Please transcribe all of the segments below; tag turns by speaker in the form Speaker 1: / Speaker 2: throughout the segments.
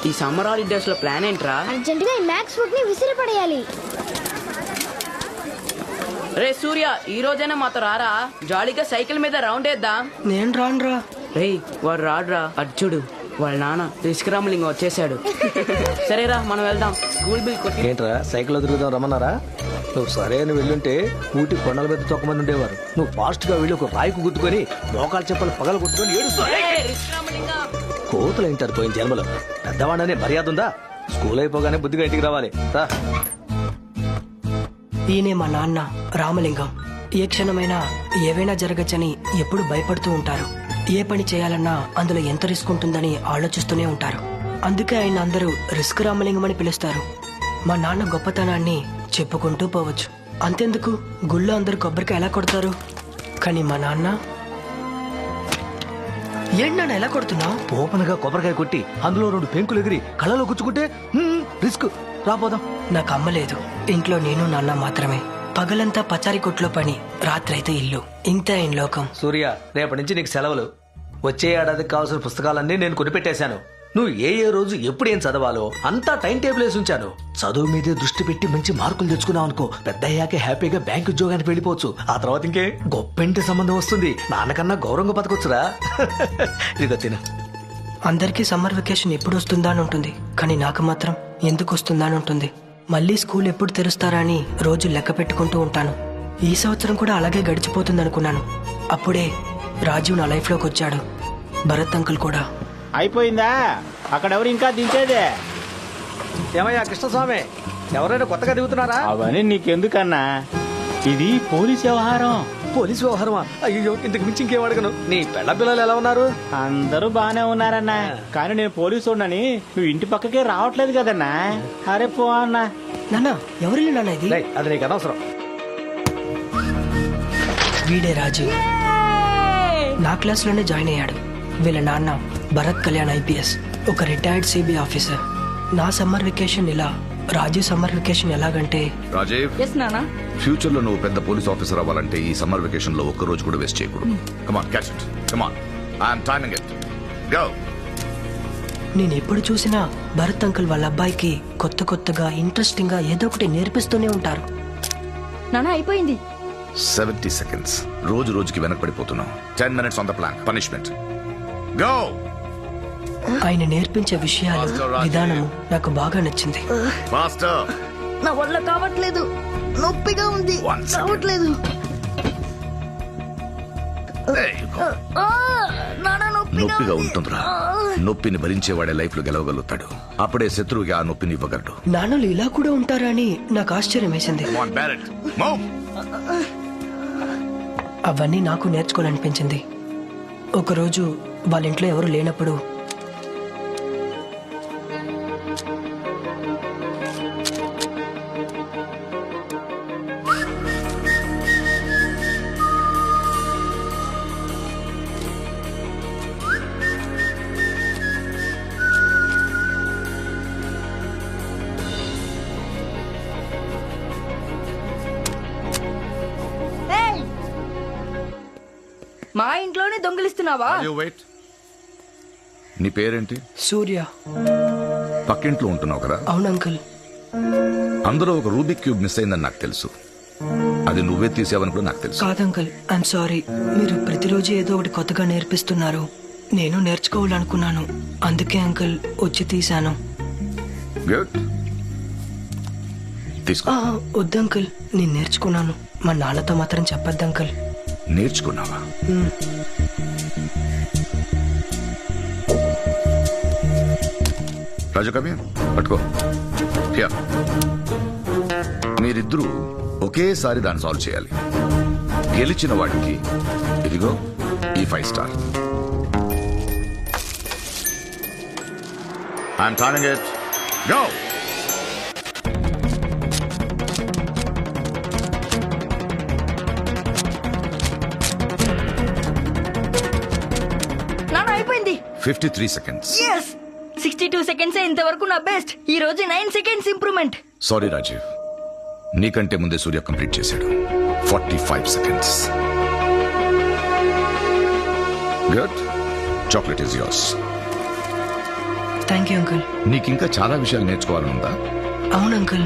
Speaker 1: ఈ summer holidays లో plan ఏంట్రా?
Speaker 2: అర్జెంట్ గా ఈ మ్యాక్స్ ఫుడ్ ని విసిరి పడేయాలి.
Speaker 1: రే సూర్య, ఈ రోజైనా మాతో రారా, జాలీగా సైకిల్ మీద రౌండ్ వేద్దాం.
Speaker 3: నేను రానురా.
Speaker 1: రే వాడు రాడురా, అర్జుడు వాళ్ళ నాన్న రిస్క్ వచ్చేసాడు. సరేరా మనం వెళ్దాం. స్కూల్ బిల్ కొట్టి.
Speaker 4: ఏంట్రా సైకిల్ తిరుగుదాం రమ్మన్నారా? నువ్వు సరే అని వెళ్ళుంటే ఊటి కొండల మీద తొక్కమంది ఉండేవారు. నువ్వు ఫాస్ట్ గా వెళ్ళి ఒక రాయికు గుద్దుకొని మోకాలు చెప్పలు పగల కొట్టుకొని కోతులు ఏంటారు పోయిన జన్మలో. పెద్దవాడనే మర్యాద ఉందా? స్కూల్ అయిపోగానే బుద్ధిగా ఇంటికి రావాలి. రా.
Speaker 3: ఈయనే మా నాన్న రామలింగం. ఏ క్షణమైనా ఏవైనా జరగచ్చని ఎప్పుడు భయపడుతూ ఉంటారు. ఏ పని చేయాలన్నా అందులో ఎంత రిస్క్ ఉంటుందని ఆలోచిస్తూనే ఉంటారు. అందుకే ఆయన అందరూ రిస్క్ రామలింగం అని పిలుస్తారు. మా నాన్న గొప్పతనాన్ని చెప్పుకుంటూ పోవచ్చు. అంతెందుకు, గుళ్ళో అందరు కొబ్బరికాయ ఎలా కొడతారు, కానీ మా నాన్న ఏంటన్నా ఎలా కొడుతున్నావు?
Speaker 4: ఓపెన్ గా కొబ్బరికాయ కొట్టి అందులో 2 పెంకులు ఎగిరి కళ్ళలో గుచ్చుకుంటే రిస్క్. రాపోదాం.
Speaker 3: నాకు అమ్మ లేదు. ఇంట్లో నేను నాన్న మాత్రమే. పగలంతా పచారి కొట్లో పని, రాత్రైతే ఇల్లు. ఇంతే ఆయన లోకం.
Speaker 4: సూర్య, రేపటి నుంచి నీకు సెలవులు. వచ్చే ఏడాదికి కావాల్సిన పుస్తకాలన్నీ నేను కొనిపెట్టేశాను. నువ్వు ఏ రోజు ఎప్పుడు ఏం చదవాలో అంతా టైం టేబుల్ వేసి ఉంచాను. చదువు మీదే దృష్టి పెట్టి మంచి మార్కులు తెచ్చుకున్నావు అనుకో, పెద్ద అయ్యాకే హ్యాపీగా బ్యాంక్ ఉద్యోగానికి వెళ్ళిపోవచ్చు. ఆ తర్వాత ఇంకే గొప్పింటి సంబంధం వస్తుంది. నాన్నకన్నా గౌరవంగా బతకొచ్చురా. ఇదిగో తిన.
Speaker 3: అందరికీ సమ్మర్ వెకేషన్ ఎప్పుడు వస్తుందా అని ఉంటుంది, కానీ నాకు మాత్రం ఎందుకు వస్తుందా అని ఉంటుంది. మళ్ళీ స్కూల్ ఎప్పుడు తెరుస్తారా అని రోజు లెక్క పెట్టుకుంటూ ఉంటాను. ఈ సంవత్సరం కూడా అలాగే గడిచిపోతుంది అనుకున్నాను. అప్పుడే రాజీవ్ నా లైఫ్లోకి వచ్చాడు. భరత్ అంకుల్ కూడా.
Speaker 5: అయిపోయిందా? అక్కడెవరు ఇంకా దించేదే?
Speaker 4: ఏమయ్యా కృష్ణస్వామి, ఎవరైనా కొత్తగా దిగుతున్నారా?
Speaker 5: అవన్నీ నీకెందుకన్నా, ఇది పోలీస్ వ్యవహారం.
Speaker 4: పోలీసు వ్యవహారమా? అయ్యో, ఇంతకు మించి ఇంకేం అడగను. నీ పెళ్ళ పిల్లలు ఎలా ఉన్నారు?
Speaker 5: అందరూ బానే ఉన్నారన్నా, కానీ నేను పోలీసు ఉన్నాని నువ్వు ఇంటి పక్కకే రావట్లేదు కదన్నా. అరే పో అన్నా.
Speaker 3: నాన్న ఎవరిల్లు నాన్న ఇది?
Speaker 4: రేయ్, అది నీకు అనవసరం.
Speaker 3: వీడే రాజీవ్. నా క్లాస్లోనే జాయిన్ అయ్యాడు. వీళ్ళ నాన్న భరత్ కళ్యాణ్ ఐపీఎస్, ఒక రిటైర్డ్ సిబిఐ ఆఫీసర్. నా సమ్మర్ వెకేషన్ ఇలా, రాజీవ్ సమ్మర్ వెకేషన్ ఎలాగంటే.
Speaker 6: రాజీవ్, ఫ్యూచర్ లో నువ్వు పెద్ద పోలీస్ ఆఫీసర్ అవ్వాలంటే ఈ సమ్మర్ వెకేషన్ లో ఒక్క రోజు కూడా వేస్ట్ చేయకూడదు. Come on, catch it. Come on, I am timing it. Go.
Speaker 3: నేను ఎప్పుడు చూసినా భరత్ అంకుల్ వాళ్ళ అబ్బాయికి కొత్తగా ఇంట్రెస్టింగ్ గా ఏదో ఒకటి నేర్పిస్తూనే ఉంటారు.
Speaker 7: నానా అయిపోయింది.
Speaker 6: 70 seconds. రోజుకి వెనకబడిపోతున్నావు. 10 minutes on the plan. Punishment. Go.
Speaker 3: ఆయన నేర్పించే విషయాలు, విధానము నాకు బాగా నచ్చింది.
Speaker 6: Faster.
Speaker 7: నా వల్ల కావట్లేదు, నొప్పిగా ఉంది. కావట్లేదు.
Speaker 6: There you go. నొప్పిగా ఉంటుందిరా. నొప్పిని భరించేవాడే లైఫ్ లో గెలవగలుగుతాడు. అప్పుడే శత్రువుకి ఆ నొప్పిని ఇవ్వగలడు.
Speaker 3: నాన్నలు ఇలా కూడా ఉంటారా అని నాకు ఆశ్చర్యం వేసింది.
Speaker 6: Come on, Barrett. Move.
Speaker 3: అవన్నీ నాకు నేర్చుకోవాలనిపించింది. ఒకరోజు వాళ్ళ ఇంట్లో ఎవరు లేనప్పుడు
Speaker 7: మా ఇంట్లోనే దొంగిలిస్తున్నావా?
Speaker 6: Wait. నీ పేరేంటి?
Speaker 3: సూర్య.
Speaker 6: పక్కింట్లో ఉంటున్నావు కదా?
Speaker 3: అవును అంకుల్.
Speaker 6: అందులో ఒక రూబిక్ క్యూబ్ మిస్ అయిందని నాకు తెలుసు. అది నువ్వే తీసావని కూడా నాకు తెలుసు.
Speaker 3: కాదు అంకుల్, ఐఎమ్ సారీ. మీరు ప్రతిరోజు ఏదో ఒకటి కొత్తగా నేర్పిస్తున్నారు. నేను నేర్చుకోవాలనుకున్నాను, అందుకే అంకుల్ వచ్చి తీశాను.
Speaker 6: గుడ్. తీసుకో.
Speaker 3: వద్దు అంకుల్, నేను నేర్చుకున్నాను. మా నాన్నతో మాత్రం చెప్పొద్దు అంకుల్.
Speaker 6: నేర్చుకున్నావా? రాజు కవి పట్టుకో. మీరిద్దరూ ఒకేసారి దాన్ని సాల్వ్ చేయాలి. గెలిచిన వాడికి ఇదిగో ఈ 5 star. I'm timing it. Go.
Speaker 7: నానా అయిపోయింది.
Speaker 6: 53 seconds.
Speaker 7: 62 seconds ఇంతవరకు నా బెస్ట్. ఈ రోజు 9 seconds ఇంప్రూవ్మెంట్.
Speaker 6: సారీ రాజీవ్, నీకంటే ముందే సూర్య కంప్లీట్ చేశాడు. 45 seconds. Good. Chocolate is yours.
Speaker 3: Thank you uncle.
Speaker 6: నీకింకా చాలా విషయాలు నేర్చుకోవాలనుందా?
Speaker 3: అవును అంకుల్.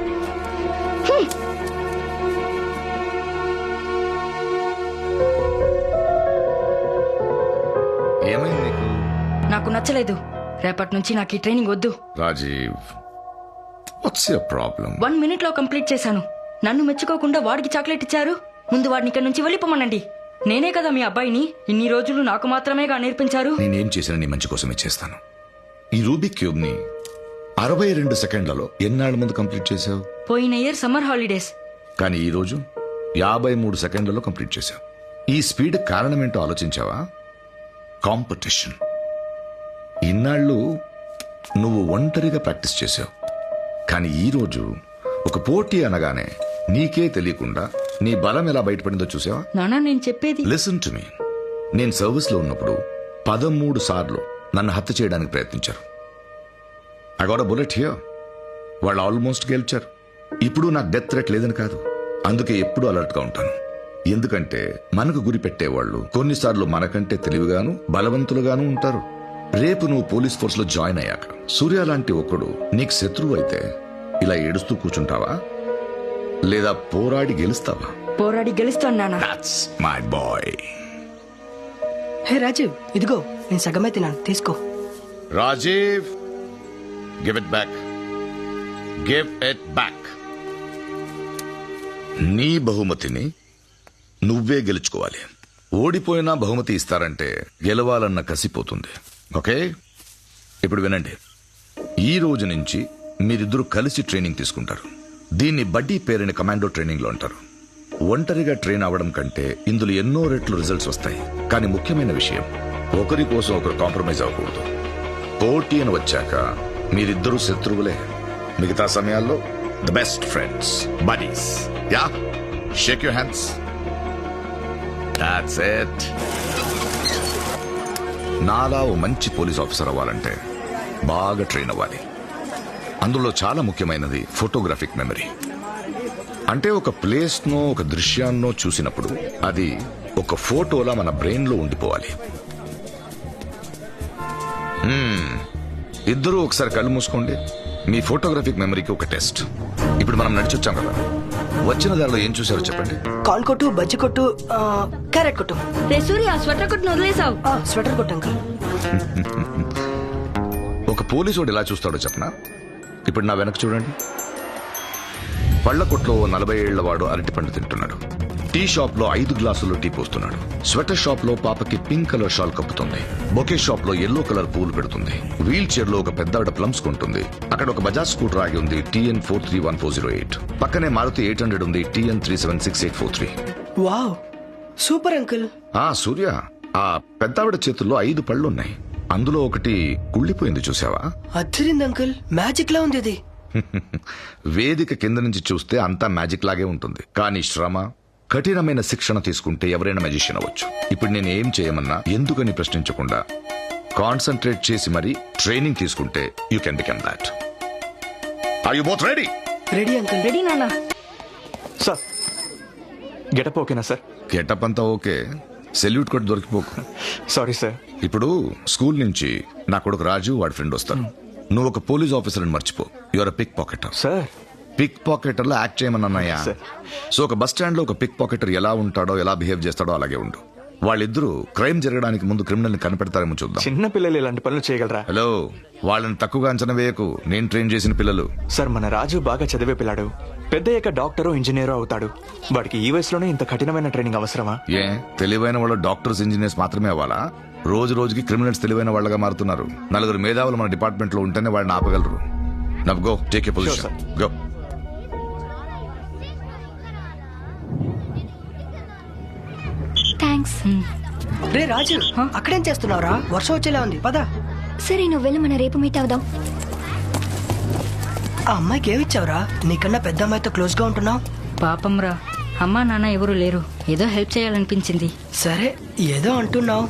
Speaker 6: ఏమైంది నీకు?
Speaker 7: నాకు నచ్చలేదు. రేపటి నుంచి నాకు ఈ ట్రైనింగ్ వద్దు.
Speaker 6: Rajiv, what's your problem?
Speaker 7: 1 minute లో కంప్లీట్ చేశాను. నన్ను మెచ్చుకోకుండా వాడికి చాక్లెట్ ఇచ్చారు. ముందు వాడిని ఇక్కడ నుంచి వెళ్ళిపోమనండి. నేనే కదా మీ అబ్బాయిని. ఇన్ని రోజులు నాకు మాత్రమేగా నేర్పించారు.
Speaker 6: నేనేం చేసినా నీ మంచి కోసమే చేస్తాను. ఈ రూబిక్ క్యూబ్ ని 62 సెకండ్లలో ఎన్నాళ్ళ ముందు కంప్లీట్ చేసావు?
Speaker 7: పోయిన ఇయర్ సమ్మర్ హాలిడేస్.
Speaker 6: కానీ ఈ రోజు 53 సెకండ్లలో కంప్లీట్ చేశావు. ఈ స్పీడ్ కారణమేంటో ఆలోచించావా? కాంపిటీషన్. ఇన్నాళ్ళు నువ్వు ఒంటరిగా ప్రాక్టీస్ చేశావు. కానీ ఈ రోజు ఒక పోటీ అనగానే నీకే తెలియకుండా నీ బలం ఎలా బయటపడిందో చూసావా?
Speaker 7: నానా నేను చెప్పేది.
Speaker 6: Listen to me. నేను సర్వీస్ లో ఉన్నప్పుడు 13 సార్లు నన్ను హత్య చేయడానికి ప్రయత్నించారు. I got a bullet here. వాళ్ళు ఆల్మోస్ట్ గెలిచారు. ఇప్పుడు నాకు డెత్ థ్రెట్ లేదని కాదు, అందుకే ఎప్పుడూ అలర్ట్ గా ఉంటాను. ఎందుకంటే మనకు గురి పెట్టేవాళ్ళు కొన్నిసార్లు మనకంటే తెలివిగాను బలవంతులుగాను ఉంటారు. రేపు నువ్వు పోలీస్ ఫోర్స్ లో జాయిన్ అయ్యాక సూర్య లాంటి ఒకడు నీకు శత్రువు అయితే ఇలా ఏడుస్తూ కూర్చుంటావా, లేదా పోరాడి గెలుస్తావా?
Speaker 7: పోరాడి గెలుస్తాను నానా.
Speaker 6: That's my boy.
Speaker 3: Hey Rajiv, ఇదిగో నేను సగమే తిన్నాను, తీసుకో.
Speaker 6: Rajiv, give it back. Give it back. నీ బహుమతిని నువ్వే గెలుచుకోవాలి. ఓడిపోయినా బహుమతి ఇస్తారంటే గెలవాలన్న కసిపోతుంది. ఓకే, ఇప్పుడు వినండి. ఈ రోజు నుంచి మీరిద్దరూ కలిసి ట్రైనింగ్ తీసుకుంటారు. దీన్ని బడ్డీ పేరుని కమాండో ట్రైనింగ్ లో అంటారు. ఒంటరిగా ట్రైన్ అవ్వడం కంటే ఇందులో ఎన్నో రెట్లు రిజల్ట్స్ వస్తాయి. కానీ ముఖ్యమైన విషయం, ఒకరి కోసం ఒకరు కాంప్రమైజ్ అవ్వకూడదు. పోటీ అని వచ్చాక మీరిద్దరూ శత్రువులే. మిగతా సమయాల్లో the best friends, buddies. Ya, shake your hands. That's it. నాలా ఓ మంచి పోలీస్ ఆఫీసర్ అవ్వాలంటే బాగా ట్రైన్ అవ్వాలి. అందులో చాలా ముఖ్యమైనది ఫోటోగ్రాఫిక్ మెమరీ. అంటే ఒక ప్లేస్ నో ఒక దృశ్యాన్నో చూసినప్పుడు అది ఒక ఫోటోలా మన బ్రెయిన్ లో ఉండిపోవాలి. ఇద్దరూ ఒకసారి కళ్ళు మూసుకోండి. మీ ఫోటోగ్రాఫిక్ మెమరీకి ఒక టెస్ట్. ఇప్పుడు మనం నడిచొచ్చాం కదా, వచ్చిన దారిలో ఏం చూసారో చెప్పండి.
Speaker 3: కార్న్ కొట్టు, బజ్జి కొట్టు, క్యారెట్ కొట్టు.
Speaker 7: రే సూర్య, స్వెటర్ కొట్టును వదిలేసావు.
Speaker 3: స్వెటర్ కొట్టు అంకుల్.
Speaker 6: ఒక పోలీసు ఎలా చూస్తాడో చెప్పనా? ఇప్పుడు నా వెనక చూడండి. పళ్ల కొట్లో 40 ఏళ్ల వాడు అరటి పండు తింటున్నాడు. టీ షాప్ లో 5 గ్లాసులు టీ పోస్తున్నాడు. స్వెటర్ షాప్ లో పాపకి పింక్ కలర్ షాల్ కప్పుతుంది. బొకే షాప్ లో ఎల్లో కలర్ పూలు పెడుతుంది. వీల్ చైర్ లో ఒక పెద్దావిడ ప్లమ్స్ కొంటుంది. అక్కడ ఒక బజాజ్ స్కూటర్ ఆగి ఉంది, TN 431408. పక్కనే మారుతి 800 ఉంది, TN 376843.
Speaker 3: Wow, super uncle.
Speaker 6: Surya, ఆ పెద్దావిడ చేతుల్లో 5 పళ్ళు ఉన్నాయి. అందులో ఒకటి కుళ్ళిపోయింది, చూసావా?
Speaker 3: అద్దరింది అంకుల్, మ్యాజిక్ లా ఉంది అది.
Speaker 6: వేదిక కింద నుంచి చూస్తే అంతా మ్యాజిక్ లాగే ఉంటుంది. కానీ శ్రమ, కఠినమైన శిక్షణ తీసుకుంటే ఎవరైనా మ్యాజిషియన్ అవ్వచ్చు. ఇప్పుడు నేను ఏం చేయమన్నా ఎందుకని ప్రశ్నించకుండా కాన్సన్ట్రేట్ చేసి మరి ట్రైనింగ్ తీసుకుంటే you can become that. Are you both ready?
Speaker 3: Ready uncle.
Speaker 7: Ready నానా.
Speaker 8: సార్, గెటప్ ఓకేనా సార్?
Speaker 6: గెటప్ అంతా ఓకే, సెల్యూట్ కూడా దొరికిపోకు.
Speaker 8: Sorry sir.
Speaker 6: ఇప్పుడు స్కూల్ నుంచి నా కొడుకు రాజు, వాడి ఫ్రెండ్ వస్తారు. నువ్వు ఒక పోలీస్ ఆఫీసర్ అని మర్చిపో. Your pickpocketer.
Speaker 8: Sir,
Speaker 6: pickpocketer లో యాక్ట్ చేయమన్నాయా? సో ఒక బస్ స్టాండ్ లో ఒక పిక్ పాకెటర్ ఎలా ఉంటాడో, ఎలా బిహేవ్ చేస్తాడో అలాగే ఉండు. వాళ్ళిద్దరూ క్రైమ్ జరగడానికి ముందు క్రిమినల్ ని కనిపెడతారేమో చూద్దాం.
Speaker 8: చిన్న పిల్లలు ఇలాంటి పనులు చేయగలరా?
Speaker 6: హలో, వాళ్ళని తక్కువగా అంచనా వేయకు. నేను ట్రైన్ చేసిన పిల్లలు.
Speaker 8: సార్, మన రాజు బాగా చదివే పిల్లాడు. పెద్దయ్యాక డాక్టరో ఇంజనీరో అవుతాడు. వాడికి ఈ వయసులోనే ఇంత కఠినమైన ట్రైనింగ్ అవసరమా?
Speaker 6: ఏ, తెలివైన వాళ్ళు డాక్టర్స్, ఇంజనీర్స్ మాత్రమే అవ్వాలా? రోజు రోజుకి క్రిమినల్స్ తెలివైన వాళ్ళగా మారుతున్నారు. 4 మేధావులు మన డిపార్ట్మెంట్ లో ఉంటేనే వాళ్ళని ఆపగలరు. Now go, take a position. Go.
Speaker 2: Thanks.
Speaker 3: రే రాజు, అక్కడేం చేస్తున్నావురా? వర్షం వచ్చేలా ఉంది, పద.
Speaker 2: సరే నువ్వు వెళ్ళి మన రేపు మీట్ అవుదాం.
Speaker 3: ఆ అమ్మాయికి ఏమిచ్చావురా? నీకన్నా పెద్ద అమ్మాయితో క్లోజ్ గా ఉంటున్నావు.
Speaker 7: పాపం రా, అమ్మా నాన్న ఎవరు లేరు. ఏదో హెల్ప్ చేయాలనిపించింది.
Speaker 3: సరే, ఏదో అంటున్నావు.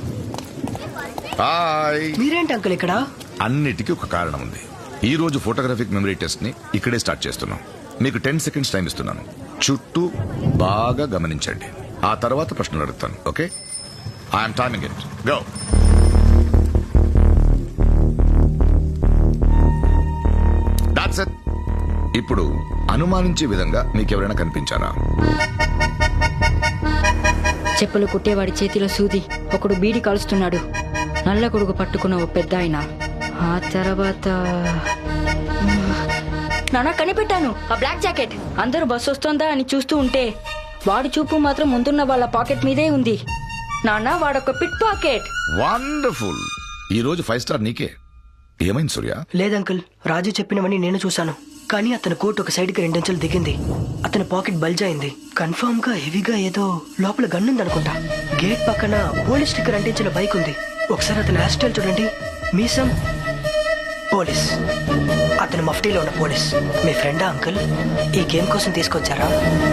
Speaker 6: హాయ్.
Speaker 3: మీరేంటి అంకుల్ ఇక్కడ?
Speaker 6: అన్నిటికీ ఒక కారణం ఉంది. ఈ రోజు ఫోటోగ్రాఫిక్ మెమరీ టెస్ట్ ని ఇక్కడే స్టార్ట్ చేస్తున్నాం. మీకు 10 సెకండ్స్ టైం ఇస్తున్నాను. చుట్టూ బాగా గమనించండి. ఆ తర్వాత ప్రశ్నలు అడుగుతాను. Okay, I'm timing it. Go. ఇప్పుడు అనుమానించే విధంగా మీకెవరైనా కనిపించారా?
Speaker 7: చెప్పులు కుట్టేవాడి చేతిలో సూది, ఒకడు బీడి కాలుస్తున్నాడు, నల్ల కొడుకు పట్టుకున్న ఓ పెద్ద ఆయన. ఆ తర్వాత నాన్న కనిపెట్టాను, ఆ బ్లాక్ జాకెట్. అందరూ బస్సు వస్తోందా అని చూస్తూ ఉంటే వాడి చూపు మాత్రం ముందున్న వాళ్ళ పాకెట్ మీదే ఉంది. నాన్న వాడొక పిట్ పాకెట్.
Speaker 6: వండర్ఫుల్. ఈ రోజు 5 స్టార్ నీకే. ఏమైంది సూర్య?
Speaker 3: లేదంకుల్, రాజు చెప్పినవని నేను చూశాను. కానీ అతని కోట్ ఒక సైడ్ కి 2 అంచెలు దిగింది. అతని పాకెట్ బల్జ్ అయింది. కన్ఫర్మ్ గా హెవీగా ఏదో లోపల గన్నుంది అనుకుంటా. గేట్ పక్కన పోలీస్ స్టిక్కర్ అంటించిన బైక్ ఉంది. ఒకసారి అతని హెయిర్ స్టైల్ చూడండి. మీసం పోలీస్, అతను మఫ్టీలో ఉన్న పోలీస్. మీ ఫ్రెండా అంకుల్? ఈ గేమ్ కోసం తీసుకొచ్చారా?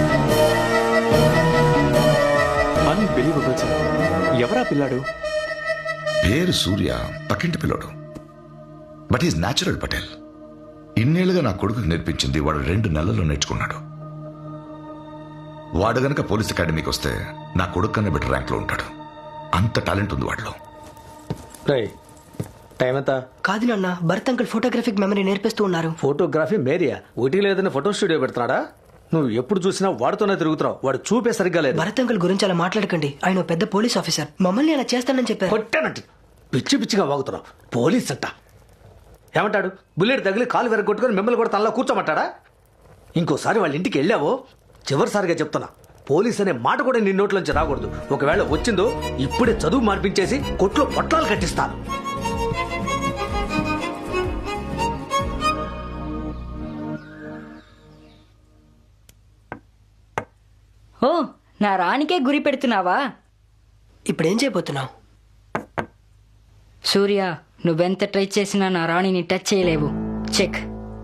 Speaker 8: Unbelievable sir. ఎవరా పిల్లాడు?
Speaker 6: పేరు సూర్య, పక్కింటి పిల్లోడు. But is natural Patel. ఇన్నేళ్లుగా నా కొడుకు నేర్పించింది వాడు 2 నెలల్లో నేర్చుకున్నాడు. వాడు గనక పోలీస్ అకాడమీకి వస్తే నా కొడుకు కన్నా బెటర్ ర్యాంక్ లో ఉంటాడు. అంత టాలెంట్ ఉంది వాడిలో.
Speaker 4: టైం ఎంత?
Speaker 3: కాదు నాన్న, భరత్ అంకుల్ ఫోటోగ్రఫిక్ మెమరీ నేర్పిస్తూ ఉన్నారు.
Speaker 4: ఫోటోగ్రఫీ మేరియా? ఒకటి లేదని ఫోటో స్టూడియో పెడుతున్నాడా? నువ్వు ఎప్పుడు చూసినా వాడితోనే తిరుగుతున్నావు. వాడు చూపే సరిగ్గా లేదు.
Speaker 3: భరత్ అంకుల్ గురించి అలా మాట్లాడకండి. ఆయన ఓ పెద్ద పోలీస్ ఆఫీసర్. మమ్మల్ని అలా చేస్తానని చెప్పారు.
Speaker 4: కొట్టానంటే పిచ్చి పిచ్చిగా వాగుతున్నావు. పోలీస్ అంట ఏమంటాడు? బుల్లెట్ తగిలి కాలు వెరగొట్టుకుని మిమ్మల్ని కూడా తనలో కూర్చోమంటాడా? ఇంకోసారి వాళ్ళ ఇంటికి వెళ్ళావో చివరిసారిగా చెప్తున్నా, పోలీస్ అనే మాట కూడా నీ నోట్లోంచి రాకూడదు. ఒకవేళ వచ్చిందో ఇప్పుడే చదువు మార్పించేసి కొట్లో పొట్లాలు కట్టిస్తాను.
Speaker 7: ఓ, నా రానికే గురి పెడుతున్నావా?
Speaker 3: ఇప్పుడేం చేయబోతున్నావు?
Speaker 7: సూర్య, నువ్వెంత ట్రై చేసినా నా రాణిని టచ్ చేయలేవు. చెక్.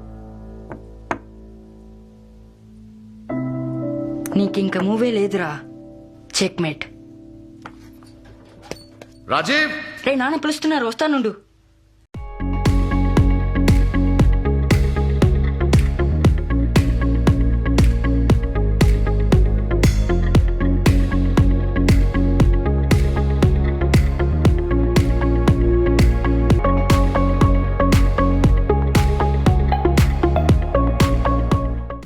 Speaker 7: నీకింక మూవే లేదురా. Check mate.
Speaker 6: రాజీవ్,
Speaker 7: రే నాన్న పిలుస్తున్నారు, వస్తానుండు.